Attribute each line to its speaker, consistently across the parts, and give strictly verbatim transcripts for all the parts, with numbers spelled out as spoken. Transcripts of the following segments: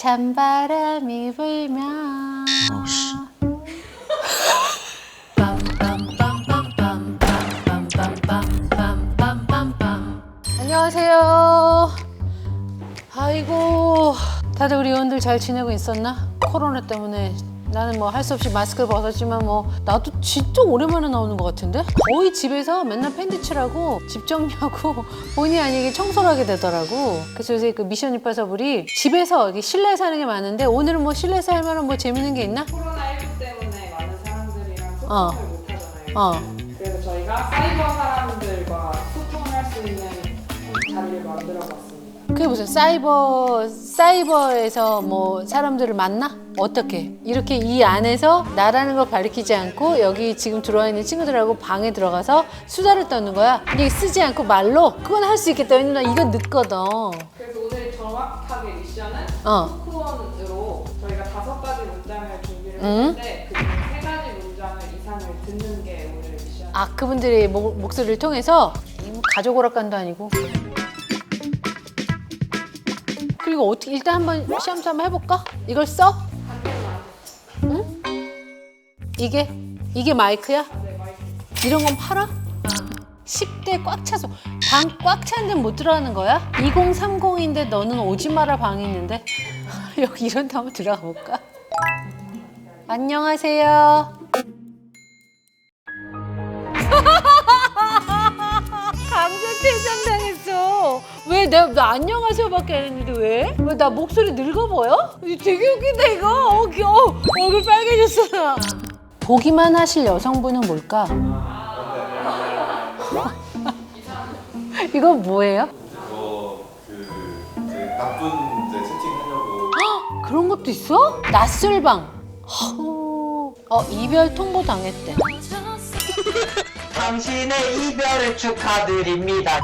Speaker 1: 찬바람이 불면.
Speaker 2: 어, 씨.
Speaker 1: 안녕하세요. 아이고, 다들 우리 의원들 잘 지내고 있었나? 코로나 때문에 나는 뭐 할 수 없이 마스크를 벗었지만 뭐 나도 진짜 오랜만에 나오는 것 같은데? 거의 집에서 맨날 팬티 칠하고 집 정리하고 본의 아니게 청소를 하게 되더라고. 그래서 요새 그 미션 임파서블이 집에서 이게 실내에서 하는 게 많은데 오늘은 뭐 실내에서 할 만한 뭐 재밌는 게 있나?
Speaker 3: 코로나십구 때문에 많은 사람들이랑 소통을
Speaker 1: 어.
Speaker 3: 못 하잖아요.
Speaker 1: 어.
Speaker 3: 그래서 저희가 사이버 사람들과 소통할 수 있는 자리를 만들어 봤습니다.
Speaker 1: 그게 무슨 사이버, 사이버에서 뭐 사람들을 만나? 어떻게? 이렇게 이 안에서 나라는 걸 가리키지 않고 여기 지금 들어와 있는 친구들하고 방에 들어가서 수다를 떠는 거야. 이게 쓰지 않고 말로? 그건 할 수 있겠다. 왜냐면 나 이건 늦거든.
Speaker 3: 그래서 오늘 정확하게 미션은
Speaker 1: 어.
Speaker 3: 토크원으로 저희가 다섯 가지 문장을 준비를
Speaker 1: 응?
Speaker 3: 했는데 그 중 세 가지 문장을 이상을 듣는 게 오늘의 미션.
Speaker 1: 아, 그분들의 목, 목소리를 통해서 가족 오락관도 아니고. 그리고 어떻게 일단 한번 시험도 한번 해볼까? 이걸 써? 응? 이게? 이게 마이크야?
Speaker 3: 네, 마이크.
Speaker 1: 이런 건 팔아? 십 대 꽉 차서 방 꽉 차는 데는 못 들어가는 거야? 이공삼공인데 너는 오지 마라 방이 있는데 여기 이런 데 한번 들어가 볼까? 안녕하세요. 강제퇴장 당했어. 왜? 내가 나 안녕하세요밖에 안 했는데 왜? 왜 나 목소리 늙어 보여? 되게 웃긴다 이거. 어, 귀여워. 얼굴 빨개졌어 나. 보기만 하실 여성분은 뭘까? 이건 뭐예요?
Speaker 4: 이거 그 이제 나쁜 이제 채팅하려고
Speaker 1: 그런 것도 있어? 낯설방. 허... 어, 이별 통보 당했대.
Speaker 5: 당신의 이별을 축하드립니다.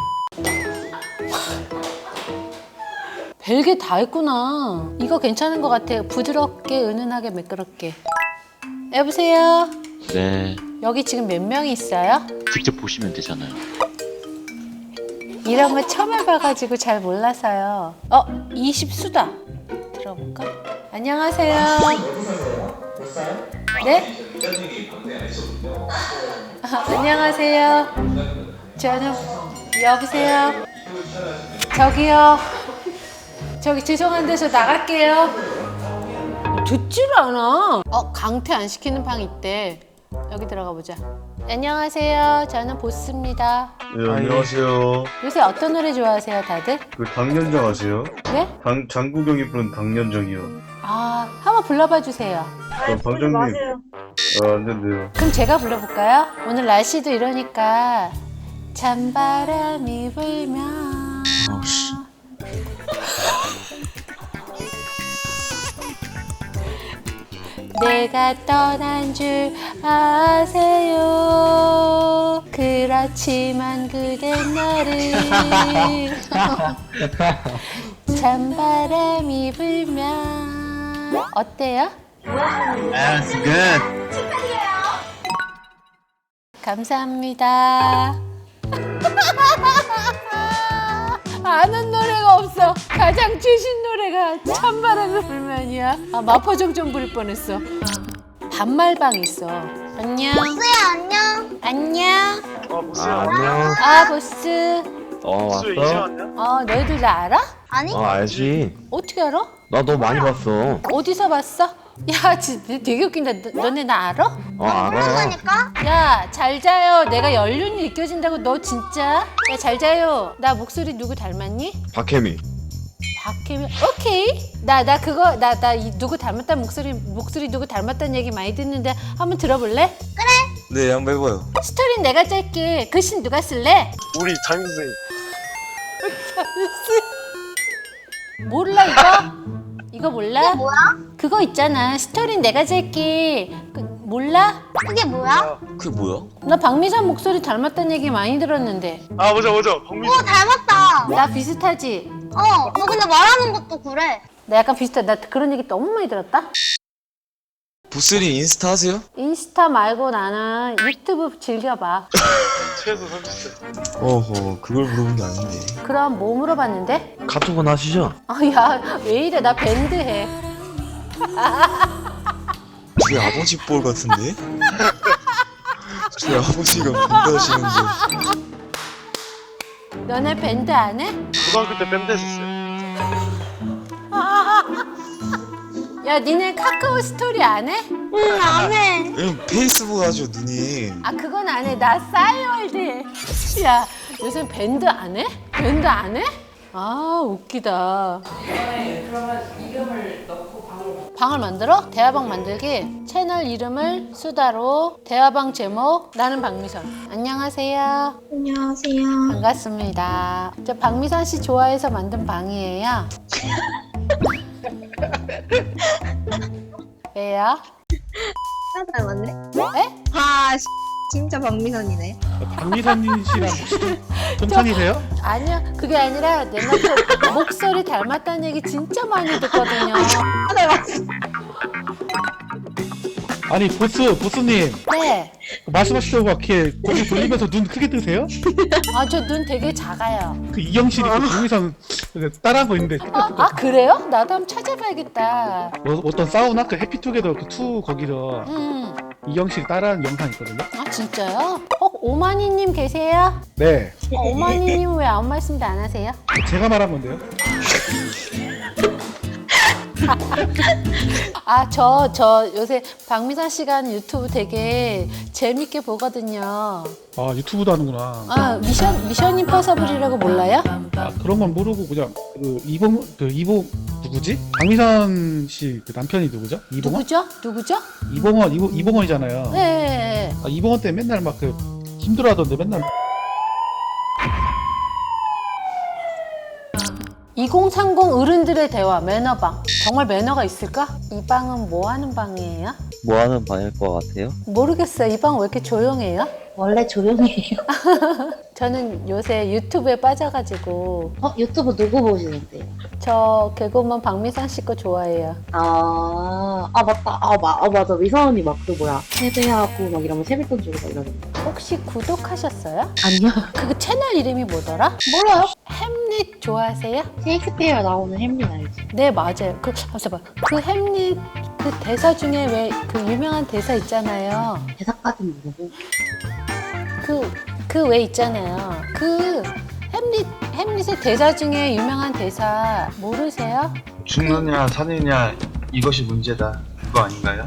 Speaker 1: 별게 다 있구나. 이거 괜찮은 것 같아. 부드럽게, 은은하게, 매끄럽게. 여보세요?
Speaker 2: 네,
Speaker 1: 여기 지금 몇 명이 있어요?
Speaker 2: 직접 보시면 되잖아요.
Speaker 1: 이런 거 처음 해봐가지고 잘 몰라서요. 어, 이십 수다. 들어볼까? 안녕하세요. 네? 아, 안녕하세요. 저는 여보세요. 저기요. 저기 죄송한데 저 나갈게요. 듣지를 않아. 어, 강퇴 안 시키는 방 있대. 여기 들어가 보자. 안녕하세요. 저는 보스입니다.
Speaker 6: 네, 안녕하세요.
Speaker 1: 요새 어떤 노래 좋아하세요, 다들?
Speaker 6: 그 당년정 아세요?
Speaker 1: 네?
Speaker 6: 당, 장국영이 부른 당년정이요.
Speaker 1: 아, 한번 불러봐 주세요.
Speaker 6: 저 방장님. 아, 안 된대요.
Speaker 1: 그럼 제가 불러볼까요? 오늘 날씨도 이러니까 찬바람이 불면
Speaker 2: 어, 씨.
Speaker 1: 내가 떠난 줄 아세요. 그렇지만 그댄 나를 찬바람이 불면 어때요?
Speaker 5: That's good.
Speaker 1: 감사합니다. 아는 노래가 없어. 가장 최신 노래가 찬바람이 불면이야. 아, 마포정 좀 부를 뻔했어. 반말방 있어. 안녕.
Speaker 7: 보스야 안녕.
Speaker 1: 안녕.
Speaker 5: 아, 안녕.
Speaker 1: 아, 보스.
Speaker 5: 어, 왔어?
Speaker 1: 어, 너희들 나 알아?
Speaker 7: 아니?
Speaker 5: 어, 알지.
Speaker 1: 어떻게 알아?
Speaker 5: 나 너 많이 봤어.
Speaker 1: 어디서 봤어? 야, 진짜 되게 웃긴다. 너, 너네 나 알아?
Speaker 5: 어, 알아.
Speaker 7: 그러니까
Speaker 1: 야, 잘 자요. 내가 연륜이 느껴진다고. 너 진짜? 야, 잘 자요. 나 목소리 누구 닮았니?
Speaker 5: 박혜미.
Speaker 1: 박혜미. 오케이. 나 나 그거 나 나 누구 닮았다는 목소리 목소리 누구 닮았다는 얘기 많이 듣는데 한번 들어볼래?
Speaker 4: 네 한번 해봐요.
Speaker 1: 스토리는 내가 짤게. 글씨는 누가 쓸래?
Speaker 4: 우리 담임 선생님.
Speaker 1: 몰라 이거? 이거 몰라?
Speaker 7: 뭐야?
Speaker 1: 그거 있잖아. 스토리는 내가 짤게. 그, 몰라?
Speaker 7: 그게 뭐야?
Speaker 4: 그게 뭐야?
Speaker 1: 나 박미선 목소리 닮았다는 얘기 많이 들었는데.
Speaker 4: 아 맞아 맞아 박민수.
Speaker 7: 오 닮았다.
Speaker 1: 나 비슷하지?
Speaker 7: 어, 너 근데 말하는 것도 그래.
Speaker 1: 나 약간 비슷해. 나 그런 얘기 너무 많이 들었다.
Speaker 8: 보스님 인스타 하세요?
Speaker 1: 인스타 말고 나는 유튜브 즐겨봐.
Speaker 8: 어허, 그걸 물어본 게 아닌데.
Speaker 1: 그럼 뭐 물어봤는데?
Speaker 5: 카톡은 하시죠?
Speaker 1: 아, 야, 왜 이래? 나 밴드 해.
Speaker 8: 저희 아버지 볼 같은데? 저희 아버지가 밴드 하시는데.
Speaker 1: 너네 밴드 안 해?
Speaker 6: 고등학교 때 밴드 했었어요.
Speaker 1: 야, 니네 카카오 스토리 안 해?
Speaker 7: 응, 안 해.
Speaker 8: 왜냐면 페이스북 하죠, 누님.
Speaker 1: 아, 그건 안 해. 나 싸이월드 해. 야, 요새 밴드 안 해? 밴드 안 해? 아, 웃기다.
Speaker 3: 이번에 그러면 이름을 넣고 방을
Speaker 1: 방을 만들어? 대화방 만들기. 채널 이름을 수다로, 대화방 제목 나는 박미선. 안녕하세요.
Speaker 7: 안녕하세요.
Speaker 1: 반갑습니다. 저 박미선 씨 좋아해서 만든 방이에요. 왜요?
Speaker 7: 아, 닮았네.
Speaker 1: 에?
Speaker 7: 아, 씨, 진짜 박미선이네.
Speaker 9: 박미선 씨랑 혹시 좀 사귀세요?
Speaker 1: 아니야, 그게 아니라 내 남편 목소리 닮았다는 얘기 진짜 많이 듣거든요.
Speaker 7: 아, 닮았어.
Speaker 9: 아니 보스 보스님
Speaker 1: 네.
Speaker 9: 말씀하시려고 이렇게 고개 돌리면서 눈 크게 뜨세요?
Speaker 1: 아, 저 눈 되게 작아요.
Speaker 9: 그 이영실이 그 박미선 따라한 거 있는데
Speaker 1: 아, 아, 그래요? 나도 한번 찾아봐야겠다.
Speaker 9: 어, 어떤 사우나 그 해피투게더 그 투 거기서
Speaker 1: 음.
Speaker 9: 이영실이 따라한 영상 있거든요.
Speaker 1: 아, 진짜요? 어, 오마니님 계세요?
Speaker 9: 네,
Speaker 1: 어, 오마니님 왜 아무 말씀도 안 하세요?
Speaker 9: 제가 말한 건데요.
Speaker 1: 아, 저, 저 요새 박미선 씨가 하는 유튜브 되게 재밌게 보거든요.
Speaker 9: 아 유튜브도 하는구나.
Speaker 1: 아, 미션, 미션 임퍼서블이라고 몰라요?
Speaker 9: 아 그런 건 모르고 그냥 그 이봉 그 이봉 누구지? 박미선 씨 그 남편이 누구죠? 이봉원?
Speaker 1: 누구죠? 누구죠?
Speaker 9: 이봉원 이봉 이봉원이잖아요.
Speaker 1: 네.
Speaker 9: 아, 이봉원 때 맨날 막 그 힘들어하던데 맨날.
Speaker 1: 이공삼공 어른들의 대화 매너방. 정말 매너가 있을까? 이 방은 뭐 하는 방이에요?
Speaker 2: 뭐 하는 방일 것 같아요?
Speaker 1: 모르겠어요. 이 방 왜 이렇게 조용해요?
Speaker 10: 원래 조용해요.
Speaker 1: 저는 요새 유튜브에 빠져가지고
Speaker 10: 어? 유튜브 누구 보시는데요?
Speaker 1: 저 개그우먼 박미선 씨 거 좋아해요.
Speaker 10: 아, 아 맞다. 아, 마, 아 맞아. 미선 언니 막 그 뭐야 세배하고 막 이러면 세뱃돈 주고 막 이러는데.
Speaker 1: 혹시 구독하셨어요?
Speaker 10: 아니요.
Speaker 1: 그 채널 이름이 뭐더라?
Speaker 10: 몰라요.
Speaker 1: 햄릿 좋아하세요?
Speaker 10: 셰익스피어 나오는 햄린 알지?
Speaker 1: 네, 맞아요. 그 잠깐만. 그 햄릿 그 대사 중에 왜 그 유명한 대사 있잖아요.
Speaker 10: 대사까지는 모르고.
Speaker 1: 그 그 왜 있잖아요. 그 햄릿 햄릿의 대사 중에 유명한 대사 모르세요?
Speaker 4: 죽느냐 사느냐 이것이 문제다. 그거 아닌가요?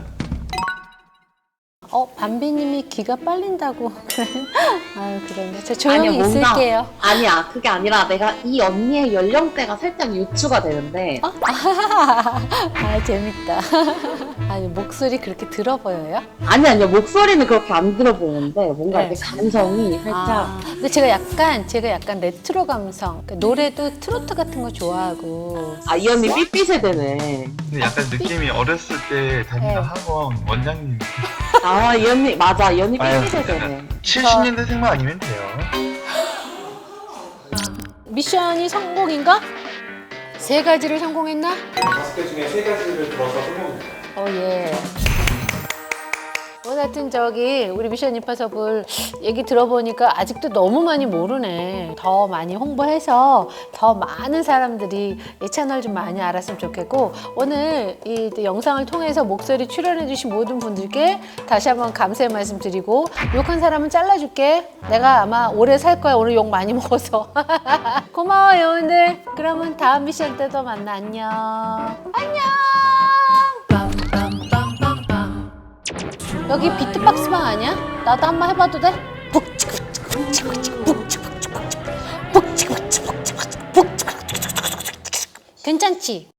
Speaker 1: 어, 밤비님이 기가 빨린다고. 아유, 그런데 저 조용히
Speaker 10: 아니야, 뭔가-
Speaker 1: 있을게요.
Speaker 10: 아니야. 그게 아니라 내가 이 언니의 연령대가 살짝 유추가 되는데
Speaker 1: 어? 아, 재밌다. 아니, 목소리 그렇게 들어 보여요?
Speaker 10: 아니 아니요. 목소리는 그렇게 안 들어 보이는데 뭔가
Speaker 1: 네.
Speaker 10: 이렇게 감성이 살짝
Speaker 1: 아, 근데 제가 약간 제가 약간 레트로 감성. 그러니까 노래도 트로트 같은 거 좋아하고.
Speaker 10: 아 이 언니 삐삐 세대네.
Speaker 4: 근데 약간 느낌이 어렸을 때 다니던
Speaker 1: 네.
Speaker 4: 학원 원장님
Speaker 10: 아 이 언니 맞아. 이 언니
Speaker 4: 아유.
Speaker 10: 삐삐 세대네.
Speaker 4: 칠십 년대생만 아니면 돼요.
Speaker 1: 미션이 성공인가? 세 가지를 성공했나?
Speaker 4: 다섯 개 중에 세 가지를 들어서 성공입니다.
Speaker 1: 어, 예. 뭐 하여튼 저기 우리 미션 임파서블 얘기 들어보니까 아직도 너무 많이 모르네. 더 많이 홍보해서 더 많은 사람들이 이 채널 좀 많이 알았으면 좋겠고, 오늘 이 영상을 통해서 목소리 출연해주신 모든 분들께 다시 한번 감사의 말씀 드리고, 욕한 사람은 잘라줄게. 내가 아마 오래 살 거야. 오늘 욕 많이 먹어서. 고마워 여러분들. 그러면 다음 미션 때도 만나. 안녕. 안녕. 여기 비트박스 방 아니야? 나도 한번 해봐도 돼? 괜찮지?